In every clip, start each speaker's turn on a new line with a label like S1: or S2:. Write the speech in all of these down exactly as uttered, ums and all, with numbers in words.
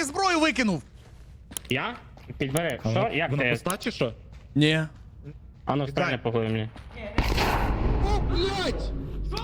S1: ти зброю викинув?
S2: Я? Підбери. Що? Як
S3: Вона
S2: ти?
S3: пуста чи що?
S1: Ні.
S2: А ну стрельни по голові мені.
S3: О, блядь!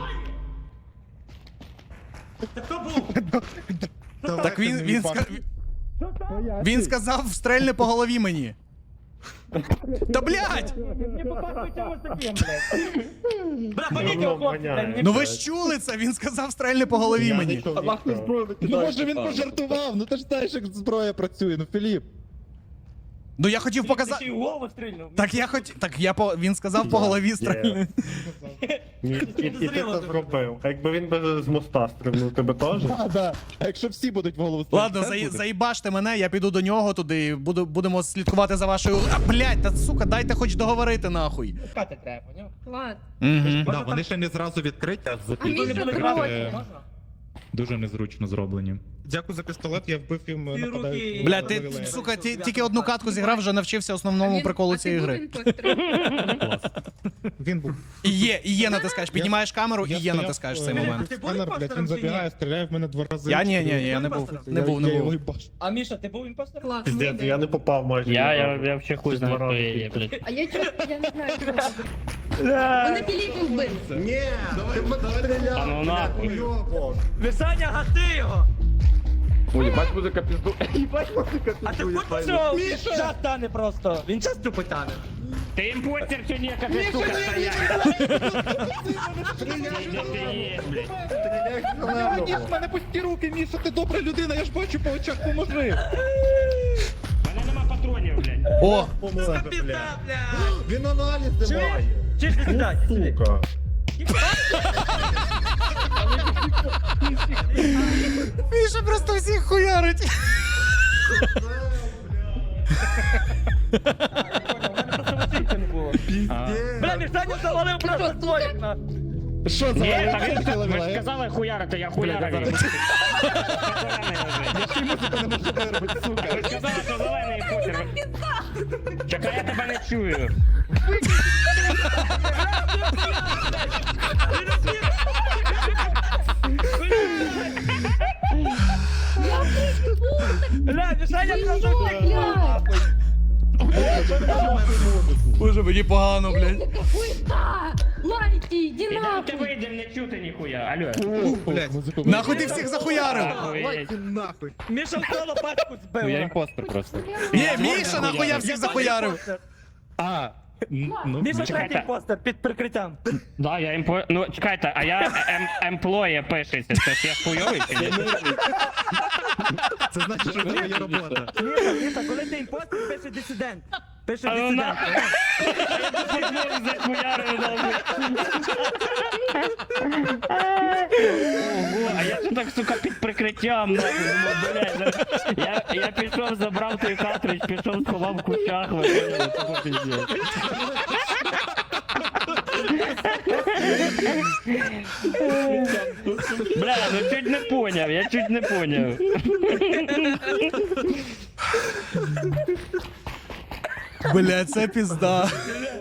S1: Так він, він, ска... він сказав, стрельни по голові мені. Та блядь!
S4: Не попав чомусь таким, блядь. Бля, поміть його, хлопці, блядь.
S1: Ну ви ж чули це, він сказав, стрельни по голові мені.
S3: Ну може він пожартував, ну ти ж знаєш, як зброя працює, ну Філіп.
S1: Ну я хотів
S4: Ти
S1: показати.
S4: ще й у голову стрільнув.
S1: Так я хоч. Так я по. Він сказав по голові стрельни.
S5: І, і, і ти це зробив. А якби він би з моста стрибнув, тебе теж?
S3: А, да. А якщо всі будуть в голову стріляти,
S1: Ладно,
S3: це
S1: заї-
S3: буде?
S1: заїбаште мене, я піду до нього туди, буду, будемо слідкувати за вашою. А, блядь, та сука, дайте хоч договорити нахуй.
S4: Пускати треба, поняв?
S6: Влад,
S1: Угу.
S3: Да, вони ще не зразу відкриті, а
S6: а
S3: закриті.
S6: мій
S4: Вони були
S6: закрой.
S4: грати, можна?
S3: Дуже незручно зроблені.
S7: Дякую за пістолет, я вбив їм
S4: Ті руки-
S7: нападають.
S1: Бля, ти, сука, ті, тільки одну катку зіграв, вже навчився основному приколу цієї гри.
S7: Він був.
S1: І є, і є натискаєш, піднімаєш камеру, і
S7: Я
S1: є
S7: стояв,
S1: натискаєш в цей
S7: е,
S1: момент.
S4: Ти був
S7: Сканер, блядь,
S4: імпостером
S7: він
S4: чи ні?
S7: забігає, стріляє в мене два рази.
S1: Я ні, ні, ні, я не був. Не був, не
S7: Я його
S1: був.
S7: їбаш.
S4: А Міша, ти був імпостером?
S6: Влад,
S5: Піздець,
S6: молодець.
S5: я не попав майже.
S2: Я,
S5: ні
S2: я,
S5: разу.
S2: я вообще хуй знаю, хто я є, блядь.
S6: А я чого, я не знаю, що робити. Вони Філіппу вбили.
S5: Ні, ти
S2: А ну нахуй.
S4: Висаня, гаси його!
S5: Ой, їбать музика пізду. Їбать музика
S4: А ти будь що час тане просто. Він час тупо тане.
S2: Ти імпостер чи ні, яка ти сука стоять?
S3: Ні, в мене пусті руки, Міша, ти добра людина, я ж бачу по очах, поможи.
S2: Мене нема патронів, блядь.
S1: О!
S4: Сука, пізда, блядь!
S5: Він аналіз не має.
S4: Чиш, не сідай, сиди.
S5: Сука.
S1: Міша просто всіх хуярить.
S4: Василька не було. Бля, Мішаня завалив просто столик на.
S3: Що за
S2: Ні,
S3: лайк?
S2: та він
S3: Що за
S2: ви ж
S3: лайк?
S2: казали хуярити, я хуярив.
S3: Я ще й музику не можу виробити, сука.
S2: Ви ж казали, що зелений імпостер. Чекай, я тебе не чую.
S4: Бля, Мішаня просто
S6: Блядь.
S1: Боже, мені погано, блядь.
S6: Яка хуйта! Лайки, іди
S2: Ідем ти
S6: нахуй!
S2: вийдем, не чути ніхуя. Алло.
S7: Блядь,
S3: Музику
S1: Нахуй ти всіх захуярив?
S2: Охуєть.
S7: нахуй.
S4: Міша в соло пачку збив.
S3: Ну я імпостер просто.
S1: Ні, Міша нахуя всіх захуярив.
S3: А, н- ну,
S4: Міша
S2: Чекайте.
S4: третій постер під прикриттям.
S2: Да, я імпо... Ну, чекайте, а я ем... емплоє пишеться, це ж я хуйовий чи ні?
S3: це значить, що в мене є робота.
S4: Міша, Міша, коли ти імпостер, пише дисидент. Пише
S2: А ну
S4: дисидент.
S2: нахуй. Я захуярив, нахуй. Ого, а я тут так, сука, під прикриттям, нахуй, думав, блядь. Я, я пішов, забрав той картридж, пішов, сховав в кущах, ви поняли, це пиздець. Бля, ну чуть не поняв, я чуть не поняв.
S1: Бля, це пізда.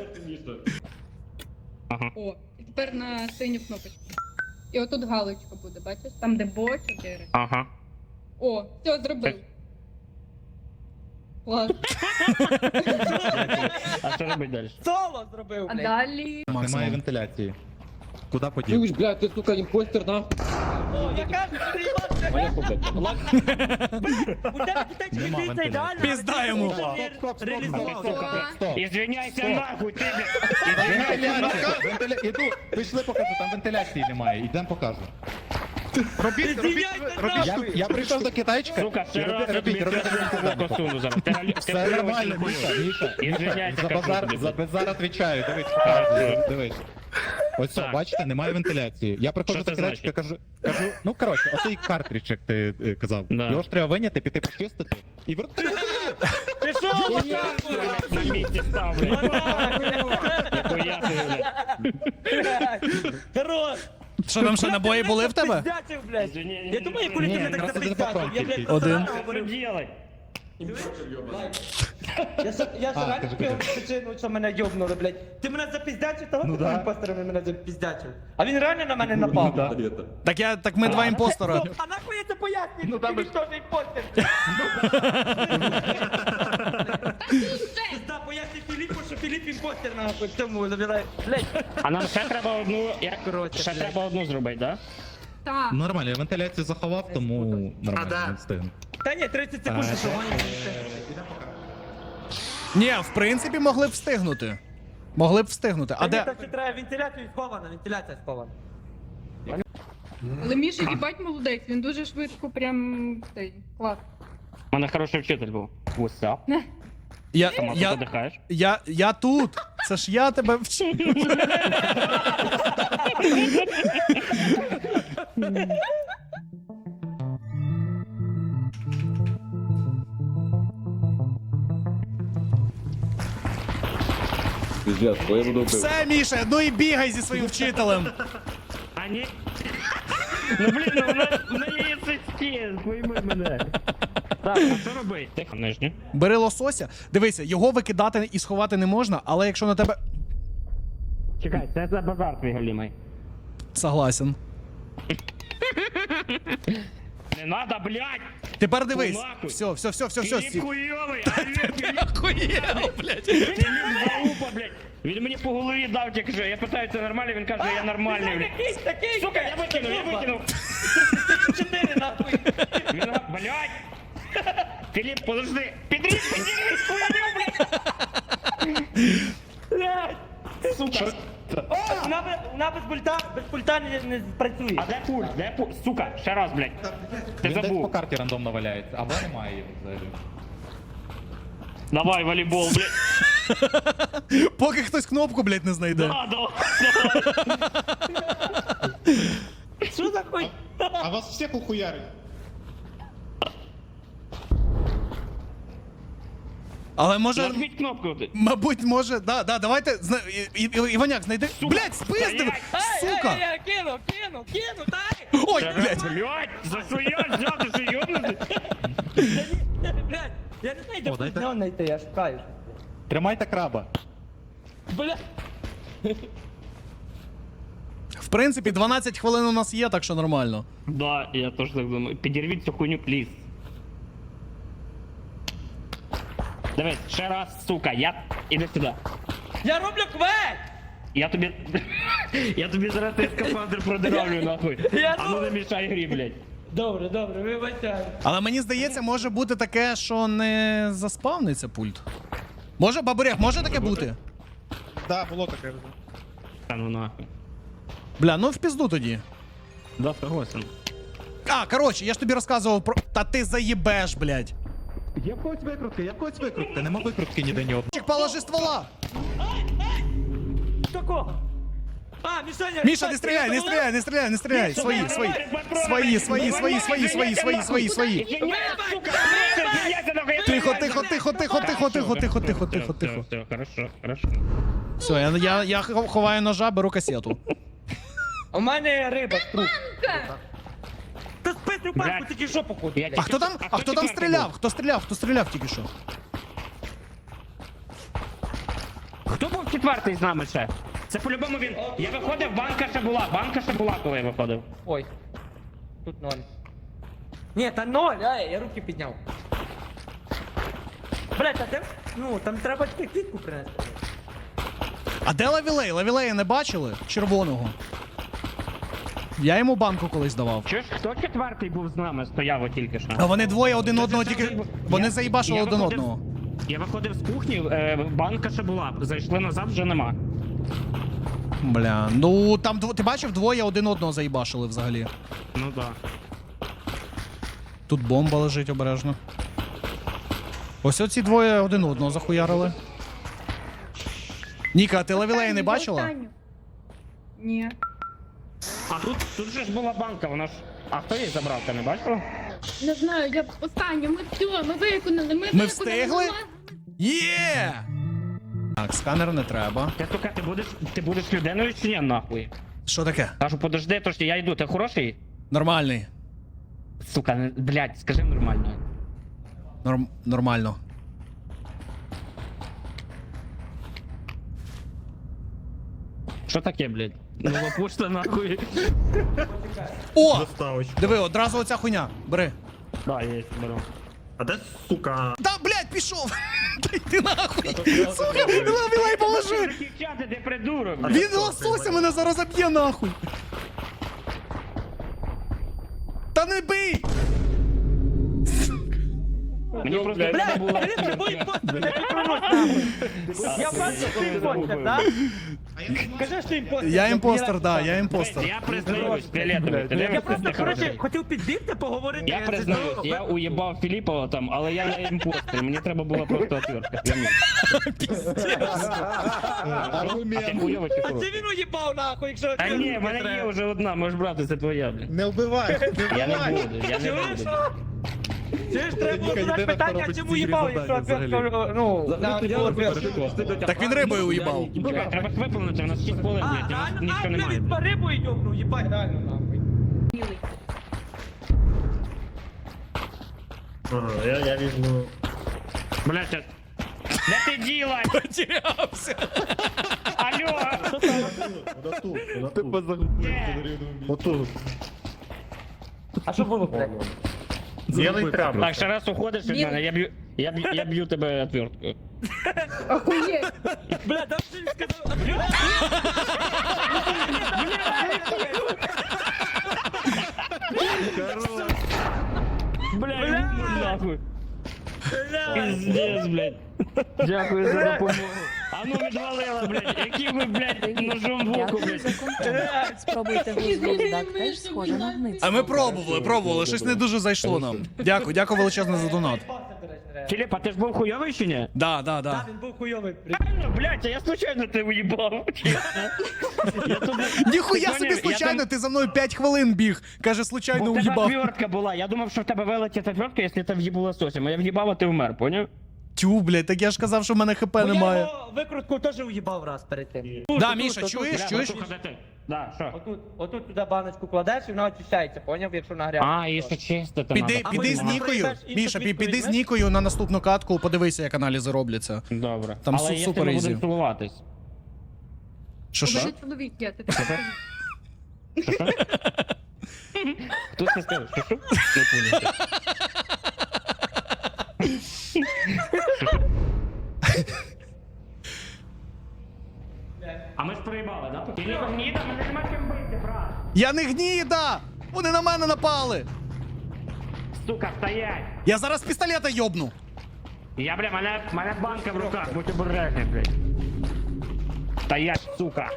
S6: О, і тепер на синю кнопочку. І отут галочка буде, бачиш? Там, де бо чотири.
S2: Ага.
S6: О, все, зробив. Клас.
S2: А що робить далі?
S4: Соло зробив,
S6: А
S4: блядь.
S6: далі...
S3: Немає вентиляції. Куди подів?
S8: Чуєш, блядь, ти, сука, імпостер, нахуй.
S4: О, я кажу, ти їбаш,
S8: Моя побита.
S4: у тебе дітей
S3: Нема
S4: дивіться
S3: вентиляції.
S4: ідеально.
S1: Пізда йому.
S3: Стоп, стоп, стоп,
S4: Реалізувався.
S3: стоп, стоп.
S2: Ізвиняйся нахуй, ти, блядь.
S3: Вентиляція, вентиля... Іду, пішли покажу, там вентиляції немає, ідемо покажу.
S7: Робіть, робіть, робіть.
S3: Я, я прийшов до китайчика.
S2: Сука, ще
S3: і
S2: раз
S3: робіть,
S2: я тобі
S3: робіть, робіть, робіть, робіть, робіть.
S2: косуну зараз. Ти ти
S3: Все
S2: хуйовий
S3: нормально,
S2: чи не
S3: Міша,
S2: хуйовий?
S3: Міша.
S2: Ізвиняйся,
S3: За
S2: кажу
S3: базар,
S2: тобі.
S3: за базар відвічаю, дивись, показую, дивись. Ось все,
S2: Так.
S3: бачите, немає вентиляції. Я приходжу
S2: Що
S3: до
S2: це
S3: китайчика, кажу, кажу, ну коротше, оцей картридж, як ти е, казав.
S2: Да.
S3: Його ж треба виняти, піти почистити і вернути.
S4: Пішов,
S2: На місці став, блядь. Ніхуя ти, блядь.
S4: Хорош.
S1: Що там ще набої були в тебе?
S4: Пиздячив, блядь.
S2: Ні,
S4: Я думаю, коли
S3: ні,
S4: ти мене так
S3: просто
S4: запиздячив.
S3: один
S4: Я, блядь,
S1: Один.
S4: просто
S2: Що
S4: говорю.
S2: делать?
S4: Я ж я ж
S3: А,
S4: реально
S3: кажи,
S4: пив
S3: кажи.
S4: причину, що мене йобнули, блядь. Ти мене запіздячив, того
S3: Ну
S4: ти
S3: да.
S4: імпостерами мене запіздячив. А він реально на мене напав.
S3: Да.
S1: Так я, так ми два імпостера.
S4: Ну, а нахуй я це пояснюю? Ну там теж імпостер. Пизда, поясни Філіпу, що Філіп імпостер нахуй. Тому забирай. Блядь.
S2: А нам ще треба одну, як,
S4: Коротше,
S2: ще
S4: блядь.
S2: треба одну зробити, да?
S6: Так.
S3: Нормально, я вентиляцію заховав, тому нормально не встигну.
S4: Та ні, тридцять секунд,
S3: А,
S4: що гониш.
S1: Ні, в принципі, могли б встигнути. Могли б встигнути. А
S4: А де?
S1: де.
S4: Так що треба вентиляцію схована, вентиляція схована.
S6: Але Міша, їбать молодець, він дуже швидко прям цей клас.
S2: У мене хороший вчитель був. What's up?
S1: Я,
S2: Сама ти
S1: я,
S2: подихаєш?
S1: я, я тут. Це ж я тебе вчив.
S9: Пиздец, бо я буду пив.
S1: Все, Міша, ну і бігай зі своїм вчителем.
S2: А ні. Ну блін, ну вона, вона є сесті, пойми мене. Так, а що робити? Тихо, нижню.
S1: Бери лосося. Дивися, його викидати і сховати не можна, але якщо на тебе.
S2: Чекай, це за базар твій галімий.
S1: Согласен.
S2: Не надо, блядь!
S1: Тепер дивись.
S2: Нахуй.
S1: Все, все, все, все, все.
S2: Філіп хуйовий, а він
S1: Охуєв, блядь.
S2: Філіп залупа, блядь. Він мені по голові дав тільки що. Я питаю, це нормально, він каже, я нормальний, блядь.
S4: Такий, такий.
S2: Сука, я викинув, я викинув.
S4: Чотири нахуй.
S2: Він, блядь. Філіп, подожди. Підріз, підріз, хуйню, блядь.
S4: Блядь.
S2: Сука.
S4: О, вона без, вона без пульта, без пульта не, не працює.
S2: А де пульт? Де пульт? Сука, ще раз, блядь. Ти
S3: Він десь по
S2: забув.
S3: карті рандомно валяється, або немає його взагалі.
S2: Давай, волейбол, блядь.
S1: Поки хтось кнопку, блядь, не знайде.
S2: Да, давай.
S4: Що за хуй?
S7: А вас всіх ухуярить.
S1: Але може.
S2: Нажміть кнопку. ти.
S1: Мабуть, може. Да, да, давайте. зна- І- І- Іваняк, знайди. Блядь, спиздив!
S2: Стоять!
S1: Сука!
S4: Ай, ай, ай, кину, кину, кину, дай!
S1: Ой,
S2: Блядь,
S1: блядь!
S2: блядь, за що я взяв, ти що йобнутий?
S4: Блядь, я не знаю, де
S3: О, дайте.
S4: пульт знайти, я шукаю.
S3: Тримайте краба.
S4: Бля.
S1: В принципі, дванадцять хвилин у нас є, так що нормально.
S2: Да, я теж так думаю. Підірвіть цю хуйню, пліз. Дивись, ще раз, сука, я... Іди сюди.
S4: Я роблю квест!
S2: Я тобі... Я тобі зараз той скафандр продиравлю, нахуй.
S4: Я
S2: А ну не мішай грі, блядь.
S4: Добре, добре, вибачаю.
S1: Але мені здається, може бути таке, що не заспавниться пульт. Може, бабурях, може таке бути?
S7: Да, було таке.
S2: Та ну нахуй.
S1: Бля, ну в пізду тоді.
S2: Да, согласен.
S1: А, коротше, я ж тобі розказував про. Та ти заїбеш, блядь.
S3: Є в когось викрутки, є в когось викрутки, нема викрутки ніде ні одного.
S1: Чик, положи ствола!
S4: Такого. А, Мішаня!
S1: Міша, не стріляй, не стріляй, не стріляй, не стріляй! Свої, свої. Свої, свої, свої, свої, свої, свої, свої, свої. Тихо, тихо, тихо, тихо, тихо, тихо, тихо, тихо, тихо, тихо.
S2: Все, хорошо, хорошо.
S1: Все, я, я, я ховаю ножа, беру касету.
S4: У мене риба з труп. Та списуй банку,
S2: Блядь.
S4: тільки що походу.
S2: Я-
S1: А хто там, а хто там
S2: четвертий
S1: стріляв?
S2: був?
S1: Хто стріляв? Хто стріляв тільки що?
S2: Хто був четвертий з нами ще? Це по-любому він. Я виходив, банка ще була, банка ще була, коли я виходив.
S4: Ой. Тут ноль. Ні, та ноль, ай, я руки підняв. Блять, а де? Ну, там треба тільки квітку принести.
S1: А де Лавілей? Лавілея не бачили? Червоного. Я йому банку колись давав.
S2: Чуєш, хто четвертий був з нами, стояв от тільки що?
S1: А вони двоє один одного
S2: Це
S1: тільки.
S2: завжди-
S1: Вони
S2: Я-
S1: заїбашили
S2: я
S1: один
S2: виходив-
S1: одного.
S2: Я виходив з кухні, е, банка ще була, зайшли назад, вже нема.
S1: Бля, ну там дво... ти бачив, двоє один одного заїбашили взагалі.
S2: Ну да.
S1: Тут бомба лежить обережно. Ось оці двоє один одного захуярили. Ніка, а ти Лавілея не бачила?
S6: Останню. Ні.
S2: А тут, тут же ж була банка, вона ж. А хто її забрав, ти не бачила?
S6: Не знаю, я останню, ми все, ми виконали, ми
S1: Ми
S6: виконали.
S1: встигли? Є! Так, сканер не треба.
S2: Ти, сука, ти будеш, ти будеш людиною чи ні, нахуй?
S1: Що таке?
S2: Кажу, подожди, то що я йду, ти хороший?
S1: Нормальний.
S2: Сука, не- блядь, скажи нормально.
S1: Норм... Нормально.
S2: що таке, блядь? Нова пошта нахуй.
S1: О!
S5: Доставочку.
S1: Диви, одразу оця хуйня. Бери.
S2: Да, є, беру.
S5: А де сука?
S1: Та, блядь, пішов! Та йди нахуй! Сука, лавілай положи!
S2: Захищати, ти придурок, блядь.
S1: Він лосося мене зараз заб'є нахуй! Та не бий!
S2: Мені просто треба
S4: Блядь,
S2: було...
S4: Філіп, це був імпостер, не прикрутись нахуй. Я бачу, що ти імпостер, так? Кажи, що ти імпостер.
S1: Я імпостер, да, я імпостер.
S2: Я признаюсь, фіолетовий, ти
S4: Я
S2: дивишся,
S4: просто,
S2: ти
S4: коротше,
S2: хороший.
S4: хотів підбігти, поговорити.
S2: Я признаюсь, я уїбав Філіпова там, але я не імпостер, мені треба була просто отвертка. Я міг. А ти
S3: Аргумент.
S2: хуйовий чи
S4: А
S2: хороший?
S4: це він уїбав нахуй, якщо...
S2: Та ні, в мене є вже одна, можеш брати, це твоя, блядь.
S3: Не вбивай, не
S2: Я не
S3: вбивай.
S2: буду, я не
S4: Чуєш?
S2: буду.
S4: Чуєш, треба було
S3: Ніка,
S4: задати
S3: єдине,
S4: питання,
S3: хто
S4: чому
S3: робить
S4: їбав,
S3: ці
S4: якщо
S3: завдання
S4: отвертка, ну, на отвертку.
S1: Так він рибою уїбав.
S2: Чекай, треба виповнити, у нас шість хвилин,
S4: А,
S2: блядь, у нас
S4: реально,
S2: нічого
S4: а,
S2: немає.
S4: блядь, по рибу йобнув, їбать, реально, нахуй.
S5: Ага, я, я візьму.
S2: Блядь, а- де ти діла?
S1: Потерявся!
S2: Алло!
S5: Отут,
S3: Ти
S5: отут.
S3: позагубив.
S5: Отут.
S4: А що було, блядь?
S5: Білий тряпок.
S2: Так, ще раз уходиш від мене, я б'ю, я б'ю, я б'ю тебе отверткою.
S6: Охуєть!
S4: Бля, там що він сказав? Бля!
S2: Бля,
S4: Бля!
S2: нахуй.
S4: Бля!
S2: Пиздец, блядь. Дякую за допомогу. А ну відвалила, блядь. Які ви, блядь, ножом в око,
S9: Дякую за
S2: блядь.
S9: контент. Спробуйте гузбоздак, теж схоже на гниць.
S1: А ми пробували, пробували, щось не дуже зайшло нам. Дякую, дякую величезне за донат.
S2: Філіп, а ти ж був хуйовий чи ні?
S1: Да, да, да.
S4: Так, він був хуйовий.
S2: Реально, блядь, а я случайно тебе уїбав. Я тут...
S1: Ніхуя
S2: Ти
S1: собі
S2: поняв,
S1: случайно,
S2: я там-
S1: ти за мною п'ять хвилин біг. Каже, случайно
S2: Бо в тебе
S1: уїбав.
S2: отвертка була. Я думав, що в тебе вилетить отвертка, якщо ти в'їбу лососем. А я в'їбав, а ти вмер, поняв?
S1: Тю, блядь, так я ж казав, що в мене хп
S4: Я
S1: немає.
S4: його викрутку теж уїбав раз перед тим.
S1: Да,
S4: Тут,
S1: Міша,
S4: тут,
S1: чуєш,
S4: тут.
S1: чуєш?
S2: Бля, Матуха, де ти? Да, що?
S4: Отут, отут туди баночку кладеш і вона очищається, поняв, якщо нагряти.
S2: А, і ще чисто там.
S1: Піди,
S4: А
S1: піди
S4: потім
S1: з
S4: вона
S1: Нікою.
S4: проїбеш іншу
S1: Міша, пі-
S4: квітку
S1: піди з
S4: візьмеш?
S1: Нікою на наступну катку, подивися, як аналізи робляться.
S2: Добре.
S1: Там
S2: Але
S1: су-
S2: якщо
S1: супер
S2: ми
S1: ізі.
S2: будемо цілуватись.
S1: Що
S6: У
S1: що?
S6: мене чоловік є, ти
S2: Хто це сказав? Що що? Не понял. А ми ж проїбали, да? Ти не гніда, мене нема чим бити, брат.
S1: Я не гніда! Вони на мене напали!
S2: Сука, стоять!
S1: Я зараз пістолета йобну!
S2: Я, бля, мене, мене банка в руках, будь обережний, блядь. Стоять, сука!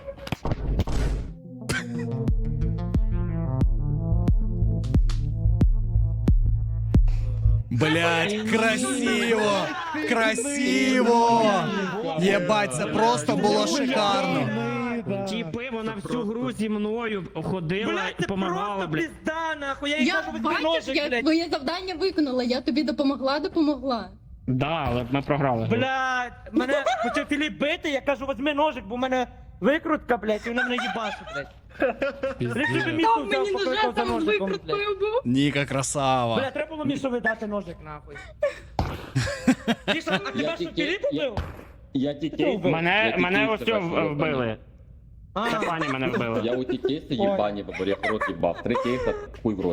S1: Блять, красиво! Красиво! Єбать, це просто було шикарно!
S2: Тіпи, вона всю гру зі мною ходила
S4: Блядь,
S2: і
S4: це
S2: помагала,
S4: просто
S2: блядь.
S4: пізда, нахуй, я їй
S6: Я
S4: кажу, візьми
S6: бачиш,
S4: ножик,
S6: я
S4: блядь.
S6: твоє завдання виконала, я тобі допомогла, допомогла.
S2: Да, але ми програли.
S4: Блядь, мене почав Філіп бити, я кажу, візьми ножик, бо в мене викрутка, блядь, і вона мене їбашить, блядь. Якщо би Мішу
S6: Там
S4: взяв,
S6: мені ножа
S4: покликав за
S6: там з
S4: ножиком, блядь.
S6: викруткою був.
S1: Ніка красава.
S4: Бля, треба було Мішу видати ножик, нахуй. Міша, а тебе що,
S8: тільки-
S4: Філіп
S8: я-
S4: убив?
S8: Я дітей.
S2: Мене, мене ось цього
S8: в
S2: вбили.
S4: А,
S2: Це пані мене вбили.
S8: Я у ті кейси їбані, бо я в рот їбав. Три кейса, хуй в рот.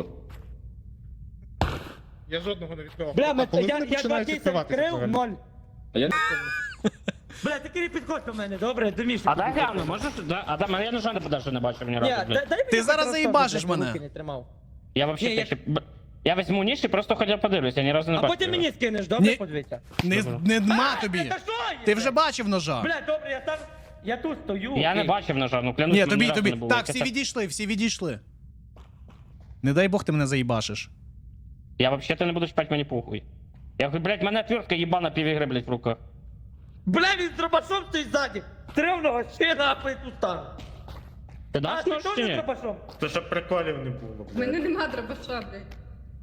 S7: Я жодного не відкривав.
S4: Бля,
S7: А
S4: ми-
S7: коли
S4: я,
S7: вони
S4: я два
S7: починають
S4: кейси
S7: відкриватися
S4: відкрив,
S7: взагалі?
S4: ноль.
S8: А я
S4: Бля, ти Кирі підходь до мене, добре, до Міші.
S2: А дай гляну, можеш? Да? А там я ножа не подальше не бачив ні
S4: Ні,
S2: разу,
S4: дай,
S2: блядь.
S4: дай мені
S1: Ти зараз
S4: хоч
S1: заїбашиш
S4: розтопити,
S1: мене.
S4: руки не тримав.
S2: Я вообще
S4: Ні, я-
S2: ще... б- Я візьму ніж і просто хоча б подивлюся, я ні разу не
S4: А
S2: бачив.
S4: потім
S2: його.
S4: мені скинеш, добре,
S1: Ні.
S4: подивися.
S1: Не, не нема
S4: А,
S1: тобі.
S4: та що є,
S1: Ти вже
S4: блядь?
S1: бачив ножа.
S4: Бля, добре, я там, я тут стою.
S2: Я не
S4: окей.
S2: бачив ножа, ну клянусь,
S1: Ні,
S2: мені
S1: тобі,
S2: разу
S1: тобі.
S2: не було.
S1: Так,
S2: Яке
S1: всі
S2: це-
S1: відійшли, всі відійшли. Не дай Бог ти мене заїбашиш.
S2: Я вообще то не буду чпать, мені похуй. Я говорю, блядь, мене отвертка їбана півігри, блядь, в руках.
S4: Бля, він з дробашом стоїть ззаді. Стрімного ще нахуй тут стан.
S2: Ти
S4: А,
S2: даш
S4: ти
S2: нож
S4: теж
S2: чи
S4: з
S2: ні?
S4: дробашом?
S5: Це щоб приколів не було,
S6: У мене
S5: блядь.
S6: нема дробаша, блядь.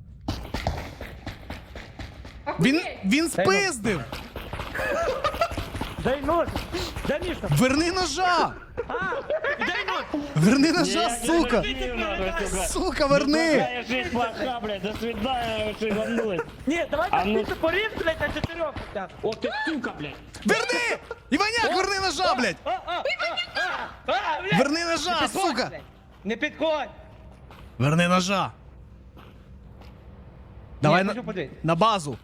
S1: Він,
S6: Охуєть!
S1: він спиздив!
S4: Дай нож. Дай Міша.
S1: Верни ножа!
S4: А, дай нож.
S1: Верни ножа,
S2: Ні,
S1: сука!
S2: ні, ні, нахуй, сука.
S1: Сука, верни!
S2: Твоя жизнь плоха, блядь, до свидания, ви що ебанулись.
S4: Ні, давай
S2: А
S4: так
S2: ну-
S4: ти порів, блядь, на чотирьох хоча б.
S2: О, ти сука, блядь.
S1: Верни! Іваняк, верни ножа, блядь!
S4: А, а, а, а, а, блядь!
S1: Верни
S4: Не
S1: ножа,
S4: підходь,
S1: сука!
S4: блядь. Не підходь!
S1: Верни ножа! Давай
S4: Ні,
S1: на,
S4: хочу подивись.
S1: на базу.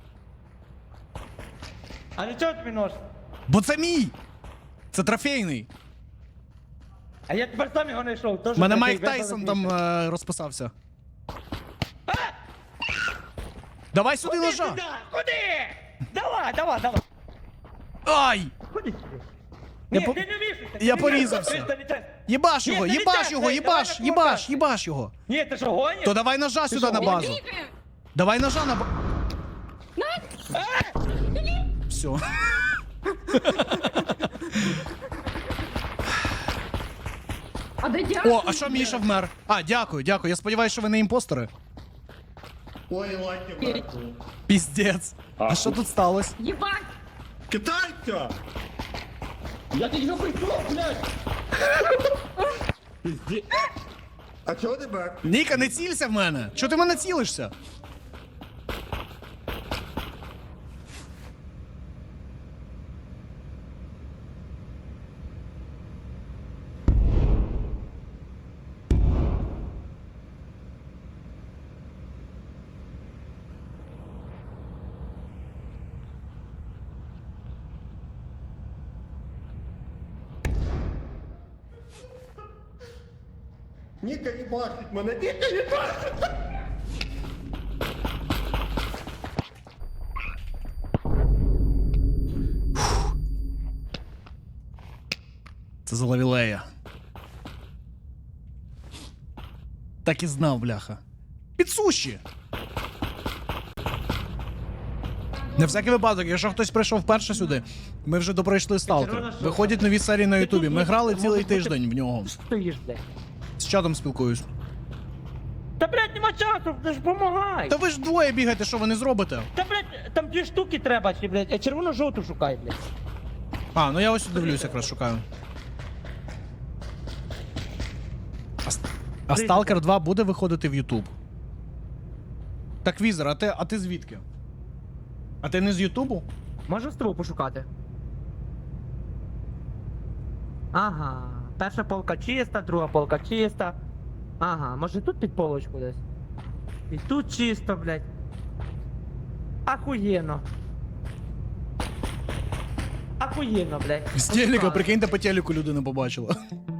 S4: А для чого тобі нож?
S1: Бо це мій! Це трофейний.
S4: А я тепер сам його не йшов.
S1: У мене Майк Тайсон там е, розписався. Давай сюди
S4: Куди
S1: ножа!
S4: сюди? Куди? Давай, давай, давай.
S1: Ай!
S4: Куди сюди?
S1: Я
S4: Ні,
S1: по-
S4: ти не вішайся.
S1: я
S4: ти не
S1: порізався.
S4: вішайся, ти не-
S1: Єбаш
S4: Ні,
S1: його,
S4: це не
S1: єбаш
S4: так,
S1: його,
S4: Жень,
S1: єбаш,
S4: давай
S1: єбаш,
S4: накрутайся.
S1: єбаш його.
S4: Ні, ти що, гониш?
S1: То давай ножа сюди
S4: що,
S1: на базу.
S6: Бігаю.
S1: Давай ножа на базу. Все.
S6: А де дякую?
S1: О, а що Міша вмер? А, дякую, дякую. Я сподіваюся, що ви не імпостери.
S7: Ой, лайки мертві.
S1: Піздець. А що тут сталося?
S6: Єбать!
S7: Китайця!
S8: Я тільки що прийшов, блядь!
S7: А чого ти бак?
S1: Ніка, не цілься в мене. Чого ти в мене цілишся?
S7: Ніка не бачить мене, Ніка не бачить!
S1: Це за лавілея. Так і знав, бляха. Підсуші! На всякий випадок, якщо хтось прийшов вперше сюди, ми вже допройшли сталкер. Виходять нові серії на Ютубі. Ми грали цілий тиждень в нього.
S4: Стоїш, блядь.
S1: З чатом спілкуюсь.
S4: Та, блядь, нема часу, ти ж помагай.
S1: Та ви ж двоє бігаєте, що ви не зробите?
S4: Та, блядь, там дві штуки треба, чи, блядь, а червоно-жовту шукай, блядь.
S1: А, ну я ось дивлюсь, якраз шукаю. А, Ст- а Stalker два буде виходити в Ютуб? Так, Візер, а ти, а ти звідки? А ти не з Ютубу?
S4: Можу стру пошукати? Ага, перша полка чиста, друга полка чиста. Ага, може тут під полочку десь? І тут чисто, блядь. Ахуєнно. Ахуєнно, блядь.
S1: З телека,
S4: Пошукали.
S1: прикиньте, по телеку людина побачила.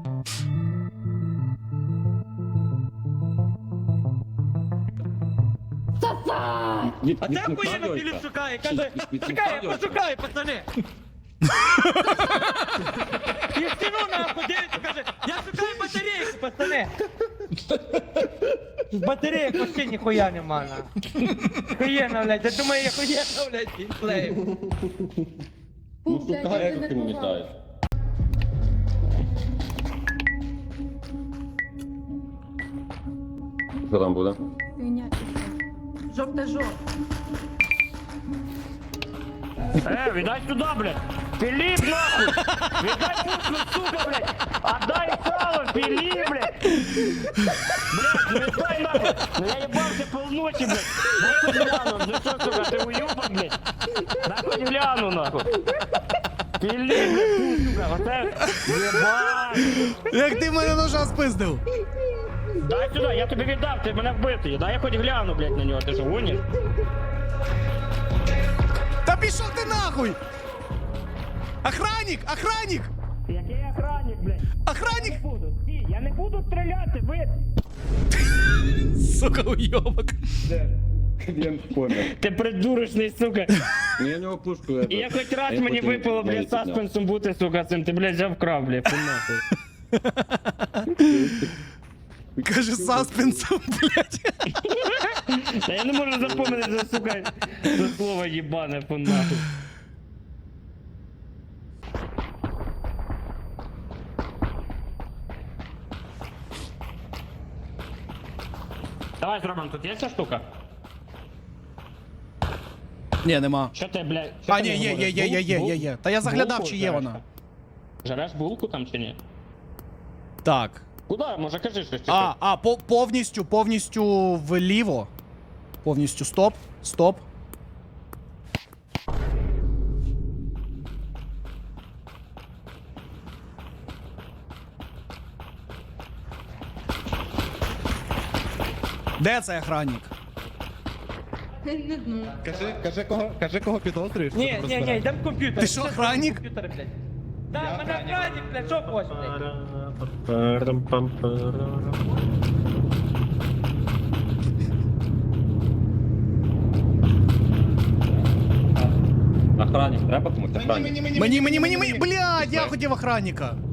S4: А це охуєнно Філіп шукає, каже, чекай, я пошукаю, пацани. І стіну нахуй дивиться, каже, я шукаю батарейку, пацани. Батареїк вообще ніхуя нема, на. Охуєнно, блядь, я думаю, я охуєнно, блядь, геймплею.
S8: Ну шукай, як ти пам'ятаєш. Що там буде?
S6: Жовте жовте.
S2: Э, віддай сюди, блядь! Філіп, нахуй! Віддай пушку, сука, блядь! Отдай сало, Філіп, блядь! Блядь, не віддай нахуй! Ну я ебался полночи, блядь! Дай хоть гляну, ну что, сука, ты уёбок, блядь? Дай хоть гляну, нахуй! Філіп, блядь, фу, сука, оце... Єбать!
S1: Як ти в мене ножа спиздив?
S2: Дай сюди, я тобі віддав, ти мене вбитий. Дай я хоч гляну, блядь, на нього, ти що, гониш?
S1: Та пішов ти нахуй! Охранник! Охранник!
S2: Який охранник, блядь?
S1: Охранник!
S2: Не буду, стій, я не буду стріляти, ви...
S1: Сука, уйобок.
S8: Він помер.
S2: Ти придурочний, сука.
S8: Ну я в нього пушку.
S2: І я хоч раз мені випало, блядь, саспенсом бути, сука, цим, ти, блядь, взяв крав, блядь, фу нахуй.
S1: Каже, саспенсом, блядь.
S2: Та я не можу запомнити, це, сука, це слово їбане, фу нахуй. Давай зробимо, тут є ця штука?
S1: Ні, нема.
S2: Що ти, блядь, що
S1: А,
S2: ти
S1: ні,
S2: не
S1: є, є,
S2: говориш?
S1: є, є, є,
S2: Бул-
S1: є, є. Та я заглядав,
S2: булку
S1: чи є
S2: жареш
S1: вона.
S2: там? Жареш булку там чи ні?
S1: Так.
S2: Куда? Може кажи щось. чи
S1: А,
S2: що?
S1: а, по- повністю, повністю вліво. Повністю стоп, стоп. Де цей охранник?
S6: Не знаю.
S3: Кажи, кажи, кого, кажи, кого підозрюєш.
S4: Ні,
S3: щоб
S4: ні, ні,
S3: розбирати.
S4: йдем в комп'ютер.
S1: Ти що, охранник?
S4: Комп'ютер, блядь. Да, мене охранник, блядь, що хочеш, блядь?
S5: Парам-пам-парам.
S8: Охранник, треба комусь охранник?
S1: Мені, мені, мені, мені, блядь, я хотів охранника.